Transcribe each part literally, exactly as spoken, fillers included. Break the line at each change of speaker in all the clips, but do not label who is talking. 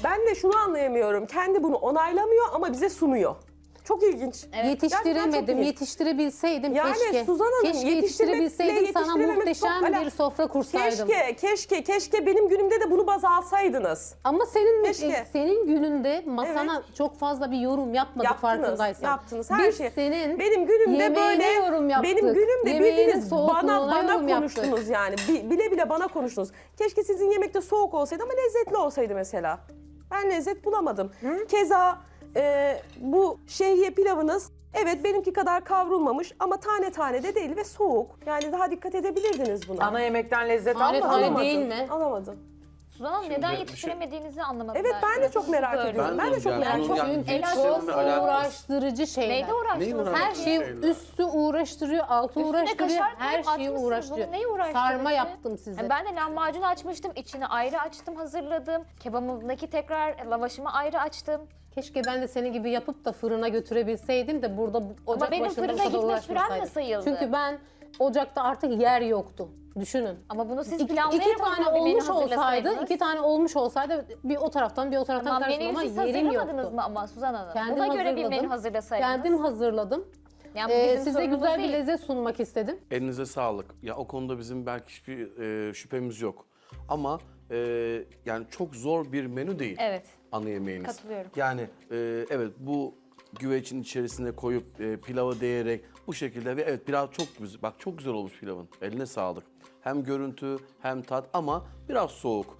Ben de şunu anlayamıyorum. Kendi bunu onaylamıyor ama bize sunuyor. Çok ilginç.
Evet.
Yetiştiremedim.
iyi.
Yetiştirebilseydim
Yani
keşke.
Suzan Hanım,
keşke
yetiştirmekle
yetiştirebilseydim sana
yetiştirememek
muhteşem
çok ala-
bir sofra kursaydım.
Keşke, keşke, keşke benim günümde de bunu baz alsaydınız.
Ama senin
Keşke.
senin gününde masana çok fazla bir yorum yapmadık
Yaptınız,
farkındaysan.
yaptınız her
Biz
şey.
senin
Benim günümde
yemeğine
böyle,
yorum yaptık.
benim günümde
Yemeğinin
bildiniz bana
soğukluğuna
bana
yorum yaptık.
konuştunuz yani. Bi- Bile bile bana konuştunuz. Keşke sizin yemekte soğuk olsaydı ama lezzetli olsaydı mesela. Ben lezzet bulamadım. Keza e, bu şehriye pilavınız evet benimki kadar kavrulmamış ama tane tane de değil ve soğuk. Yani daha dikkat edebilirdiniz buna.
Ana yemekten lezzet
Tane
almadın
tane
mı?
değil mi?
Alamadım.
Suzan Hanım
Şimdi
neden
bir şey-
yetiştiremediğinizi anlamadım.
Evet, ben de çok merak
Böyle.
ediyorum. Ben de çok
yani
merak
bunun
ediyorum.
yani
El
yetiştirilme
açması
alakası-
uğraştırıcı şeyler.
Neyde uğraştınız?
Neyi uğraştınız?
Her şey
Şeyler.
üstü uğraştırıyor, altı
Üstüne
uğraştırıyor,
kaşar
her
koyup
şeyi
atmışsınız.
uğraştırıyor.
Bunu neyi uğraştırdınız?
Sarma yaptım size.
Yani ben de lahmacun açmıştım. İçini ayrı açtım, hazırladım. Kebabımdaki tekrar lavaşımı ayrı açtım.
Keşke ben de senin gibi yapıp da fırına götürebilseydim de burada bu- ocak
benim
başında bu
fırına
kadar
gitme sürem mi
uğraşmasaydım.
sayıldı?
Çünkü ben ocakta artık yer yoktu. Düşünün.
Ama bunu siz
İki,
planlayarak
iki
o zaman
tane
bir menü
olmuş olsaydı,
hazırlasaydınız.
iki tane olmuş olsaydı bir o taraftan bir o taraftan
Tamam,
karıştım
menüyü
ama
siz
yerim
hazırlamadınız
yoktu.
mı ama Suzan Hanım?
Kendim
Buna göre bir
hazırladım.
menü hazırlasaydınız.
Kendim hazırladım.
Yani bu
Ee,
bizim
size
sorunumuz
güzel bir
değil.
lezzet sunmak istedim.
Elinize sağlık. Ya o konuda bizim belki hiçbir e, şüphemiz yok. Ama e, yani çok zor bir menü değil.
Evet.
Ana yemeğiniz.
Katılıyorum.
Yani e, evet bu güvecin içerisine koyup e, pilavı değerek bu şekilde ve evet pilav çok güzel. Bak çok güzel olmuş pilavın. Eline sağlık. Hem görüntü hem tat ama biraz soğuk.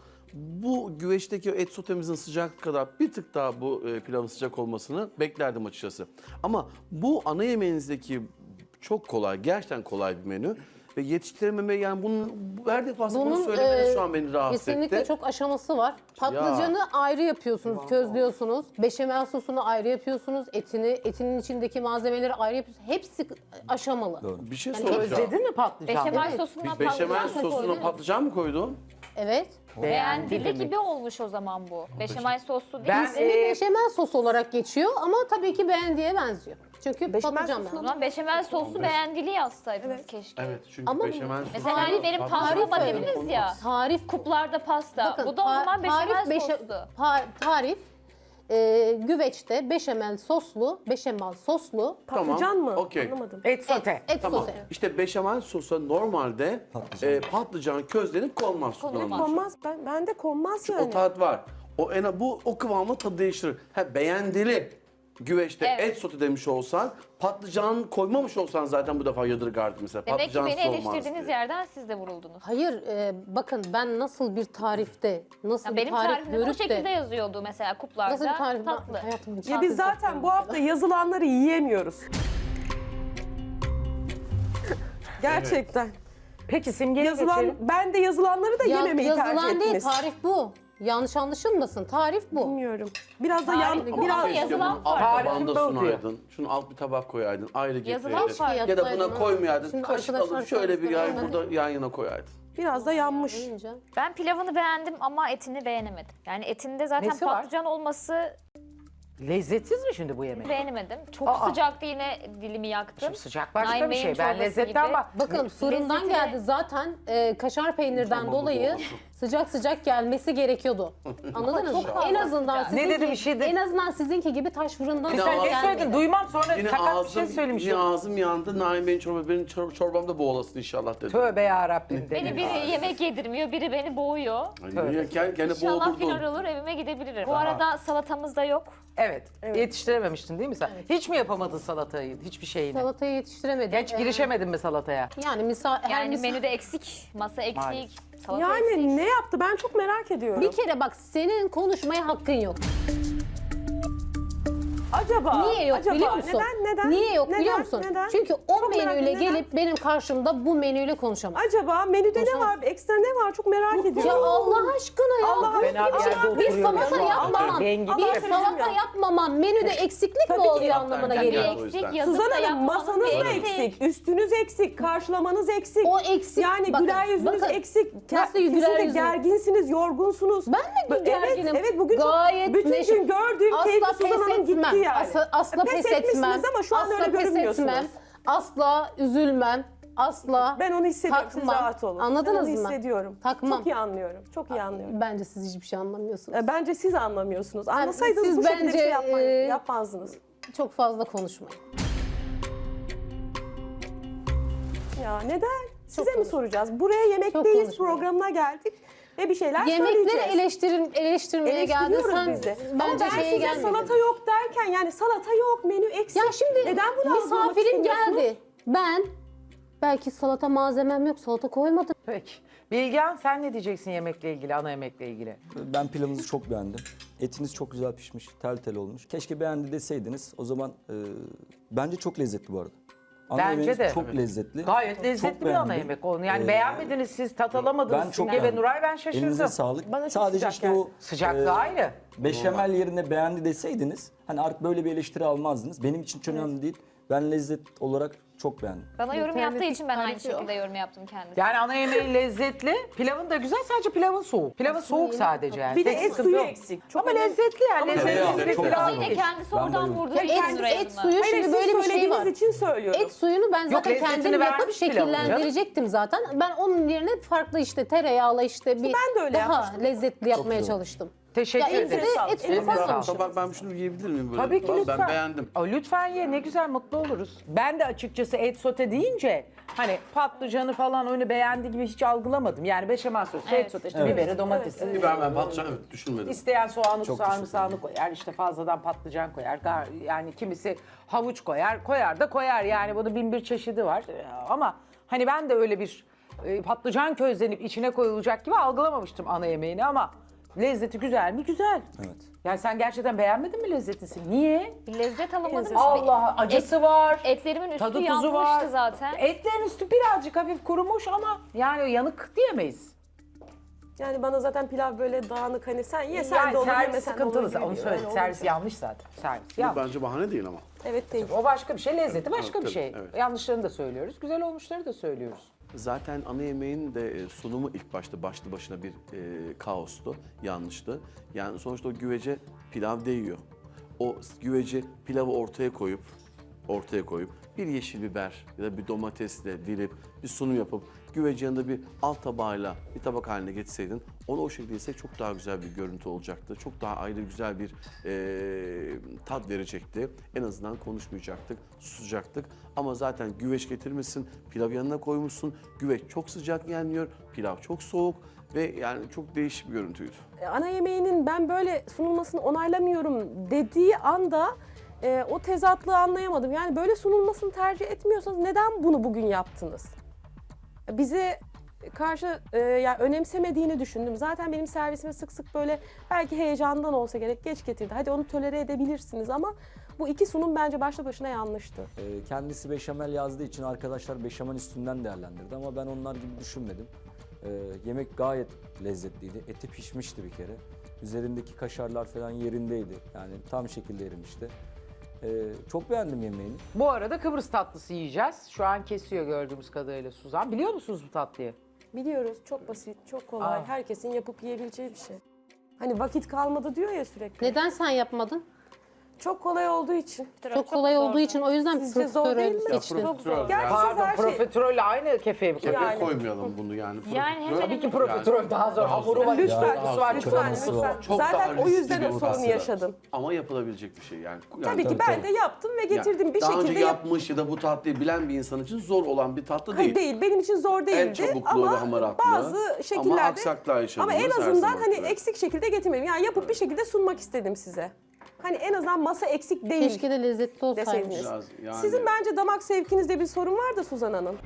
Bu güveçteki et sotemizin sıcak kadar bir tık daha bu e, pilavın sıcak olmasını beklerdim açıkçası. Ama bu ana yemeğinizdeki çok kolay, gerçekten kolay bir menü. Ve yetiştirememe yani bunun bu- her defasında bunu söylemeniz
e,
şu an beni rahatsız
kesinlikle
etti.
çok aşaması var. Patlıcanı ayrı yapıyorsunuz, közlüyorsunuz. Beşamel sosunu ayrı yapıyorsunuz. Etini, etinin içindeki malzemeleri ayrı yapıyorsunuz. Hepsi aşamalı.
Bir şey
Yani
soracağım.
Özledin mi patlıcan?
Beşamel
Evet.
sosundan
Beşamel
patlıcan
sosuna
koydunuz.
patlıcan mı koydun?
Evet.
Beğendili
mi?
gibi olmuş o zaman bu. Beşamel soslu değil.
Ben-
Ben,
Ee,
Ee,
beşamel sos olarak geçiyor ama tabii ki beğendiye benziyor. Çünkü
Beşamel
patlıcan
sosuna
o
ben.
zaman beşamel soslu beğendili yazsaydınız keşke.
Evet çünkü
Ama
beşamel sosu.
Mesela hani benim
Patlıcan
pastama
tarif
dediniz
olmaz.
ya.
Tarif
Kuplarda pasta.
Bakın,
bu da o
ta-
zaman beşamel
tarif beşe-
soslu.
pa- tarif e, güveçte beşamel soslu, beşamel soslu
Patlıcan mı?
okey.
Anlamadım.
Et sote.
et
Tamam.
sosu.
İşte beşamel sosa normalde patlıcan, patlıcan közlenip konmaz. Suzan Hanım.
Konmaz. Ben, bende konmaz yani.
O tat var. O en bu o kıvamla tadı değiştirir. Ha beğendili güveçte
Evet.
et sote demiş olsan, patlıcan koymamış olsan zaten bu defa yadırgardı mesela.
Demek ki
patlıcan
beni
olmaz
eleştirdiğiniz
diye.
yerden siz de vuruldunuz.
Hayır, e, bakın ben nasıl bir tarifte, nasıl
Ya
bir
benim
tarif
tarifimde bu
görüp
şekilde
de,
yazıyordu mesela kuplarda.
nasıl bir tarif
Tatlı.
hayatımın
Ya biz zaten bu hafta yazılanları yiyemiyoruz. Gerçekten.
Peki simgeye
Yazılan,
geçelim.
ben de yazılanları da
Ya,
yememeyi tercih
yazılan değil,
ettiniz.
tarif bu. Yanlış anlaşılmasın, tarif bu.
Bilmiyorum. Biraz da
Tarif
yan,
bu
biraz
ama
Keşke
yazılan
bunu alt
var.
tabağında
Tarifim bu diyor.
sunaydın. Şunu alt bir tabak koyaydın. Ayrı
Yazılan
getirdin.
var.
Ya da buna
Yapsaydın.
koymayaydın.
Şimdi
Kaşık
arkadaşlar
alıp şöyle bir yay
şöyle-
burada yan yana koyaydın.
biraz da yanmış.
Deyince.
Ben pilavını beğendim ama etini beğenemedim. Yani etinde zaten
Nesi var?
patlıcan olması
Lezzetsiz mi şimdi bu yemek?
beğenemedim. Çok
Aa.
sıcaktı yine dilimi yaktım.
Şimdi sıcak başka
Naim
bir
Bey'in
şey. Ben
çorbası
lezzetten
gibi.
bak.
Bakın fırından
Lezzetine-
geldi zaten e, kaşar peynirden
Tamam, bu
dolayı
doğru.
sıcak sıcak gelmesi gerekiyordu. Anladınız mı?
fazla
En azından
sıcak.
sizinki,
Ne dedi bir şey de-
en azından sizinki gibi taş fırından
Yine
Sen ne
ağzım-
söyledin? Duymam sonra
Yine
sakat bir şey
ağzım,
söylemişim.
yine ağzım yandı. Naim Bey'in çorba, benim çor- çorbamda boğulasın inşallah dedi.
Tövbe yarabbim
Beni
dedim.
biri yemek yedirmiyor, biri beni boğuyor.
Hani gene, gene
İnşallah
boğdurdun.
final olur, evime gidebilirim. Bu arada salatamız da yok.
Evet. Yetiştirememiştin değil mi sen? Hiç mi yapamadın salatayı? Hiçbir şeyini?
Salatayı yetiştiremedim.
Hiç girişemedin mi salataya?
Yani misal her
Yani
misal-
menüde eksik, masa eksik,
Maalesef.
salata
Yani
eksik.
ne yaptı ben çok merak ediyorum.
bir kere bak senin konuşmaya hakkın yok.
Acaba?
Niye yok
acaba,
biliyor musun?
Neden? Neden?
Niye yok
neden,
biliyor musun?
Neden?
Çünkü o
Çok merak
menüyle
ediyorum, neden?
gelip benim karşımda bu menüyle konuşamaz.
Acaba menüde ne
Konuşamaz.
var? Ekstra ne var? Çok merak ediyorum.
Ya Allah aşkına ya.
Allah
Böyle
Fena bir
şey-
yerde
bir
oturuyor
salata
ya.
yapmamam,
Rengi
bir
bir-
salata yapmamam menüde eksiklik mi
Tabii ki.
oluyor anlamına
Hatta
geliyor.
yani-
Eksik,
O yüzden.
yazıp
Suzan
da
Hanım
yapmamız
masanız da
eksik.
eksik, üstünüz eksik, karşılamanız eksik.
O eksik.
Yani
Bakın,
güler yüzünüz
bakın.
eksik. Ke-
Nasıl güler
kesinlikle
yüzüm?
gerginsiniz, yorgunsunuz.
Ben de
Evet,
gerginim.
evet bugün
Gayet
çok, bütün
neşe-
gün gördüğüm
Asla
keyifli
pes
Suzan Hanım gitti
etmem.
yani.
Asla, asla
Pes
pes
etmişsiniz
etmem.
ama şu an
asla
öyle
pes
görünmüyorsunuz.
etmem. Asla üzülmem. asla
Ben onu hissediyorum. Siz
takmam.
rahat olun.
Anladınız
ben onu
mı?
hissediyorum.
Takmam.
Çok iyi anlıyorum. Çok iyi anlıyorum.
Bence siz hiçbir şey anlamıyorsunuz.
E, Bence siz anlamıyorsunuz. Anlasaydınız
siz
bu şekilde bir
bence,
şey yapma-
e,
yapmazdınız.
Çok fazla konuşmayın.
Ya neden? Size mi
konuşma.
soracağız? Buraya
Çok
Yemekteyiz
konuşma.
programına geldik ve bir şeyler
Yemekleri
söyleyeceğiz.
eleştirin, eleştirmeye geldin.
Eleştiriyoruz
Sen
biz de. Ama
bence
ben
şeye
size
gelmedin.
salata yok derken yani salata yok, menü eksik.
Ya şimdi
neden bunu algılamak
misafirim
istemiyorsunuz?
geldi. Ben belki salata malzemem yok, salata koymadım.
Peki. Bilgehan sen ne diyeceksin yemekle ilgili, ana yemekle ilgili?
Ben pilavınızı çok beğendim. Etiniz çok güzel pişmiş, tel tel olmuş. Keşke beğendi deseydiniz. O zaman e, bence çok lezzetli bu arada. Ana
Bence
yemeğiniz
de.
çok lezzetli.
Gayet
Çok
lezzetli bir ana
beğendim.
yemek onu. Yani
Ee,
beğenmediniz siz, tat alamadınız.
Ben çok
Simge ve
beğendim.
Nuray ben şaşırdım.
Elinize sağlık.
Bana çok
Sadece
sıcak
işte
geldi.
o
Sıcaklığı ayrı.
beşamel yerine beğendi deseydiniz hani artık böyle bir eleştiri almazdınız. Benim için çok önemli değil. Ben lezzet olarak çok beğendim.
Bana yorum yaptığı
İnternet
için ben aynı
tarif yok.
şekilde yorum yaptım kendisi.
Yani ana yemeği lezzetli, pilavın da güzel, sadece pilavın soğuk. Pilavın soğuk sadece yani.
Bir de
Tek
et
sıkıntı
suyu
yok.
eksik. Çok
Ama
önemli.
lezzetli yani.
Ama
Lezzetli
tereyağı
bir
çok
pilav.
güzel.
Yine kendisi oradan
bayıldım.
vurdu.
Ya
için
et,
Nuray
et
Hanım'a.
suyu
Hayır,
şimdi
siz
böyle bir şey
söylediğiniz
var.
için söylüyorum.
Et suyunu ben zaten
lezzetini
kendim yapıp
vermiş pilavın canım.
şekillendirecektim zaten. Ben onun yerine farklı işte tereyağla işte bir
ben de öyle
daha
yapmıştım.
lezzetli yapmaya
güzel.
çalıştım.
Teşekkür
Ya
ederim.
ette de et suyu
Elinize sağlık.
koymamışım.
Tabak ben şunu yiyebilir miyim böyle?
Tabii ki
Ben
lütfen.
beğendim.
Aa, lütfen ye, ne güzel, mutlu oluruz. Ben de açıkçası et sote deyince hani patlıcanı falan öyle beğendi gibi hiç algılamadım. Yani beşamel sosu, et
Evet.
sote, işte biberi, domatesi.
Biber ben patlıcan evet düşünmedim.
İsteyen soğanı,
Çok
sarımsağını koyar, işte fazladan patlıcan koyar. Gar- Yani kimisi havuç koyar, koyar da koyar. Yani bunun bin bir çeşidi var. Ee, Ama hani ben de öyle bir e, patlıcan közlenip içine koyulacak gibi algılamamıştım ana yemeğini ama lezzeti güzel mi? Güzel.
Evet.
Yani sen gerçekten beğenmedin mi lezzetini? Niye?
Bir lezzet alamadım.
Allah, acısı var.
Etlerimin üstü
Tadı tuzu
yanmıştı
var.
zaten.
Etlerin üstü birazcık hafif kurumuş ama yani yanık diyemeyiz.
Yani bana zaten pilav böyle dağınık hani sen ye sen
Yani
de olur
servis
yemesen de olur
sıkıntılı.
gibi
Onu
bir-
söyledik.
öyle
Servis
olunca.
yanlış zaten. Servis
Bu
yanlış.
bence bahane değil ama.
Evet değil.
O başka bir şey, lezzeti başka
Evet,
bir şey.
tabii, evet.
Yanlışlarını da söylüyoruz, güzel olmuşları da söylüyoruz.
Zaten ana yemeğin de e, sunumu ilk başta başlı başına bir e, kaostu, yanlıştı. Yani sonuçta o güvece pilav değiyor. O güveci pilavı ortaya koyup, ortaya koyup bir yeşil biber ya da bir domatesle dilip bir sunum yapıp güveci yanında bir alt tabağıyla bir tabak haline getirseydin onu o şekilde yesek çok daha güzel bir görüntü olacaktı. Çok daha ayrı güzel bir e, tat verecekti. En azından konuşmayacaktık, susacaktık. Ama zaten güveç getirmişsin, pilav yanına koymuşsun. Güveç çok sıcak yenmiyor, pilav çok soğuk ve yani çok değişik bir görüntüydü.
E, Ana yemeğinin ben böyle sunulmasını onaylamıyorum dediği anda e, o tezatlığı anlayamadım. Yani böyle sunulmasını tercih etmiyorsanız neden bunu bugün yaptınız? Bize karşı e, yani önemsemediğini düşündüm. Zaten benim servisime sık sık böyle belki heyecandan olsa gerek geç getirdi. Hadi onu tolere edebilirsiniz ama bu iki sunum bence başlı başına yanlıştı.
Ee, kendisi beşamel yazdığı için arkadaşlar beşamel üstünden değerlendirdi ama ben onlar gibi düşünmedim. Ee, yemek gayet lezzetliydi. Eti pişmişti bir kere. Üzerindeki kaşarlar falan yerindeydi. Yani tam şekilde erimişti. Ee, çok beğendim yemeğini.
Bu arada Kıbrıs tatlısı yiyeceğiz. Şu an kesiyor gördüğümüz kadarıyla Suzan. Biliyor musunuz bu tatlıyı?
Biliyoruz çok basit, çok kolay.
Aa.
Herkesin yapıp yiyebileceği bir şey. Hani vakit kalmadı diyor ya sürekli.
Neden sen yapmadın?
Çok kolay olduğu için.
Çok kolay olduğu için o yüzden
Sizce zor
profiterol
değil mi?
seçtin.
Çok zor. Gerçi siz
Pardon,
her şey...
profiterolle aynı kefeye mi koyuyorsunuz?
Yani.
Koymayalım bunu yani.
Yani hemen
Tabii ki
hemen.
profiterol daha zor. Hamuru var,
Lütfen,
tatlısı var,
lütfen,
çorbası
lütfen.
var.
Çok daha
Zaten o
riskli
yüzden
bir
o sorunu
tatlı.
yaşadım.
Ama yapılabilecek bir şey yani. yani
Tabii ki
tabii,
ben
tabii.
de yaptım ve getirdim
yani
bir
daha
şekilde.
önce
yap-
yapmış ya da bu tatlıyı bilen bir insan için zor olan bir tatlı
Hayır,
değil.
değil. Benim için zor
El
değildi
çabukluğu ve
ama
hamaratlığı.
bazı şekillerde
Ama aksaklar yaşadınız
ama en
her
azından
zaman
hani
gibi.
eksik şekilde getirmedim. Yani yapıp bir şekilde sunmak istedim size. Hani en azından masa eksik değil
Keşke de lezzetli olsaymış.
deseydiniz.
Biraz yani-
Sizin bence damak zevkinizde bir sorun var da Suzan Hanım.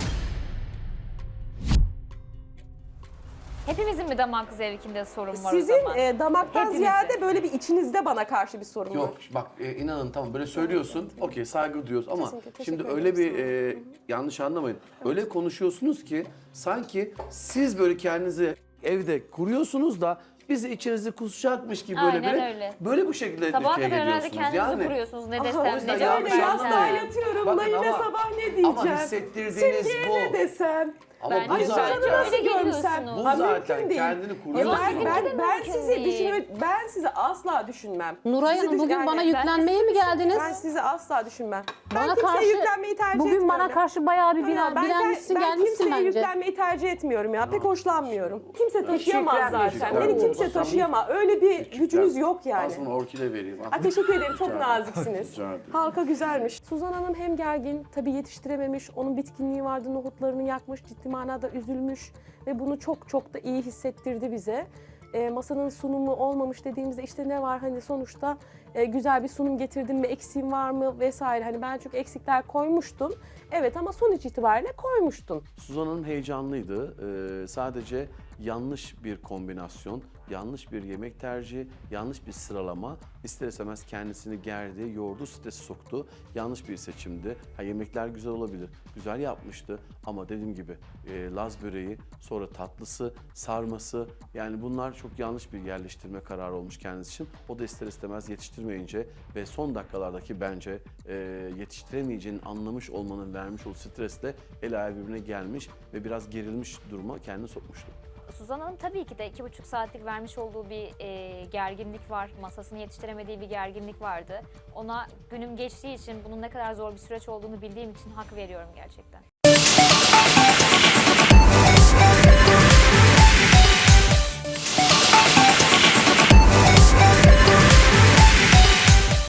Hepimizin mi damak zevkinde sorun var o
Sizin
zaman?
e, damaktan
Hepimizin.
ziyade böyle bir içinizde bana karşı bir sorun
Yok
var.
bak e, inanın tamam böyle söylüyorsun okey saygı duyuyoruz ama
Kesinlikle, teşekkür
şimdi
ederim,
öyle bir
sağ olun.
e, yanlış anlamayın. Öyle konuşuyorsunuz ki sanki siz böyle kendinizi evde kuruyorsunuz da bizi içerisi kusacakmış gibi
Aynen
böyle bir
öyle.
böyle bu şekilde
Sabaha
şey
kadar herhalde
ediyorsunuz.
kendinizi
Yani
kuruyorsunuz. Ne
o
desem,
yüzden
ne cevap
yanlış
öyle
anlamayın.
yastığa
versem.
yatıyorum.
Bakın
Naime
ama-
sabah ne diyeceğim?
ama hissettirdiğiniz
Simge'ye
bu.
ne desem?
ama
Bence
bu
Ay
zaten,
sadece
nasıl
öyle
görsem?
geliyorsunuz.
bu
Ha,
zaten
mümkün değil.
kendini
Ya
kuruyorsun.
ben, ben,
Bizimki de
ben
mümkün
sizi
değil.
düşünme, ben sizi asla düşünmem.
Nuray
Sizi
Hanım
düş-
bugün
yani
bana
ben-
yüklenmeye mi geldiniz?
Ben sizi asla düşünmem. Ben
Bana
kimseye
karşı
yüklenmeyi tercih
bugün
etmiyorum.
bana
ya.
karşı bayağı bir
Ha,
bina,
ben,
bilenmişsin
ben
gelmişsin
kimseye
bence.
yüklenmeyi tercih etmiyorum ya. Pek hoşlanmıyorum. Kimse taşıyamaz
yüklenmeyecek,
zaten.
evet.
Beni kimse taşıyamaz. Öyle bir gücünüz yok yani.
Aslında orkide vereyim.
Ay, teşekkür ederim. Çok naziksiniz.
Rica ederim.
Halka güzelmiş. Suzan Hanım hem gergin, tabii yetiştirememiş. Onun bitkinliği vardı, nohutlarını yakmış, ciddi manada üzülmüş. Ve bunu çok çok da iyi hissettirdi bize. E, masanın sunumu olmamış dediğimizde işte ne var hani sonuçta e, güzel bir sunum getirdim mi, eksiğim var mı vesaire. Hani ben çok eksikler koymuştum. Evet ama sonuç itibariyle koymuştum.
Suzan Hanım heyecanlıydı. Ee, sadece yanlış bir kombinasyon, yanlış bir yemek tercihi, yanlış bir sıralama ister istemez kendisini gerdi, yordu, stresi soktu. Yanlış bir seçimdi. Ha, yemekler güzel olabilir, güzel yapmıştı ama dediğim gibi e, Laz böreği, sonra tatlısı, sarması yani bunlar çok yanlış bir yerleştirme kararı olmuş kendisi için. O da ister istemez yetiştirmeyince ve son dakikalardaki bence e, yetiştiremeyeceğini anlamış olmanın vermiş olduğu stresle el ayağı birbirine gelmiş ve biraz gerilmiş duruma kendini sokmuştu.
Suzan Hanım tabii ki de iki buçuk saatlik vermiş olduğu bir e, gerginlik var. Masasını yetiştiremediği bir gerginlik vardı. Ona günüm geçtiği için bunun ne kadar zor bir süreç olduğunu bildiğim için hak veriyorum gerçekten.